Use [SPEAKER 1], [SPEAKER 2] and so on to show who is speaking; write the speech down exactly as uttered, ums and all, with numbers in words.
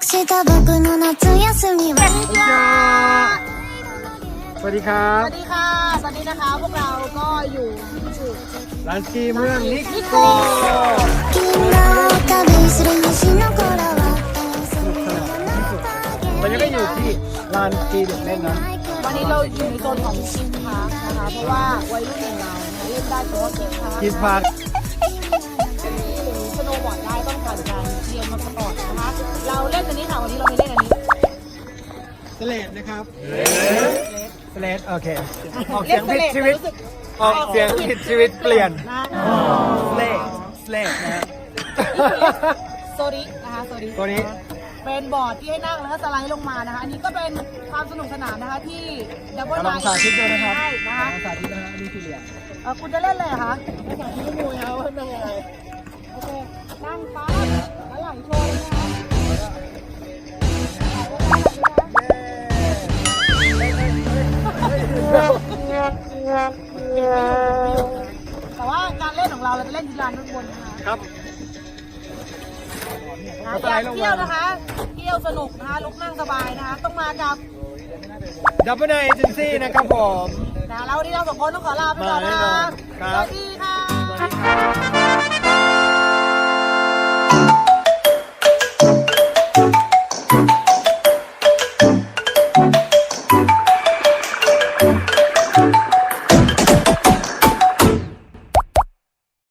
[SPEAKER 1] した僕の夏休みは
[SPEAKER 2] สวัสดีครับ
[SPEAKER 3] สวัสดีค่ะสวัสดีนะคะพวกเราก็อยู่ที่
[SPEAKER 2] ร้านสกีเมืองนิโก
[SPEAKER 1] 君が旅する星の子らは
[SPEAKER 2] ตอนนี้ก็อยู่ที่ลานสกีเด็กเล่นนะ
[SPEAKER 3] วันนี้เราอยู่ในโซนของคิดพาร์คนะคะเพราะว่าวัยรุ่นอย่างเราเล่นได้เฉพาะคิดพาร์ค
[SPEAKER 2] คิดพาร์ค
[SPEAKER 3] หรือสโนว์บอร์ดได้ต้องผ่านการเรียนมาก่อนนะคะเราเล่นอันนี้ค่ะวันนี้เราไม่เล่นอันนี้
[SPEAKER 2] สเลดนะครับสเลดโอเคออกเสียงผิดชีวิตออกเสียงผิดชีวิตเปลี่ยน
[SPEAKER 3] นะ
[SPEAKER 2] สเลดสเลดนะฮะ
[SPEAKER 3] โซรินะคะโซริ
[SPEAKER 2] ตัวนี้
[SPEAKER 3] เป็นบอร์ดที่ให้นั่งแล้วก็สไลด์ลงมานะคะอันนี้ก็เป็นความสนุกสนานนะคะที่ดับเบิล
[SPEAKER 2] กำ
[SPEAKER 3] ไน
[SPEAKER 2] ลัง
[SPEAKER 3] ท์
[SPEAKER 2] สาธิตด้วยนะครับ
[SPEAKER 3] ใช่นะคะ
[SPEAKER 2] กำลังสาธิตนะฮะอันนี้สี่เหลี่ยม
[SPEAKER 3] เออคุณจะเล่นเลยเหรอคะไม่สาธิตให้ดูนะว่าเป็นยังไงโอเคนั่งปั๊บแล้วไหลโชว์นะคะแต่ว่าการเล่นของเราเราจะเล่นที่ลานด้านบนนะคะ
[SPEAKER 2] ครับ
[SPEAKER 3] นะอยากเที่ยวนะคะเที่ยวสนุกนะคะลุกนั่งสบายนะคะต้องมากับ
[SPEAKER 2] ดับเบิลไนเอเจนซี่นะครับผม
[SPEAKER 3] นะแล้ววันนี้เราสองคนต้องขอลาไปก่อนนะคะ
[SPEAKER 2] มาแน่นอนครับ
[SPEAKER 3] สวัสดีค่ะ
[SPEAKER 2] สวัสดีครับ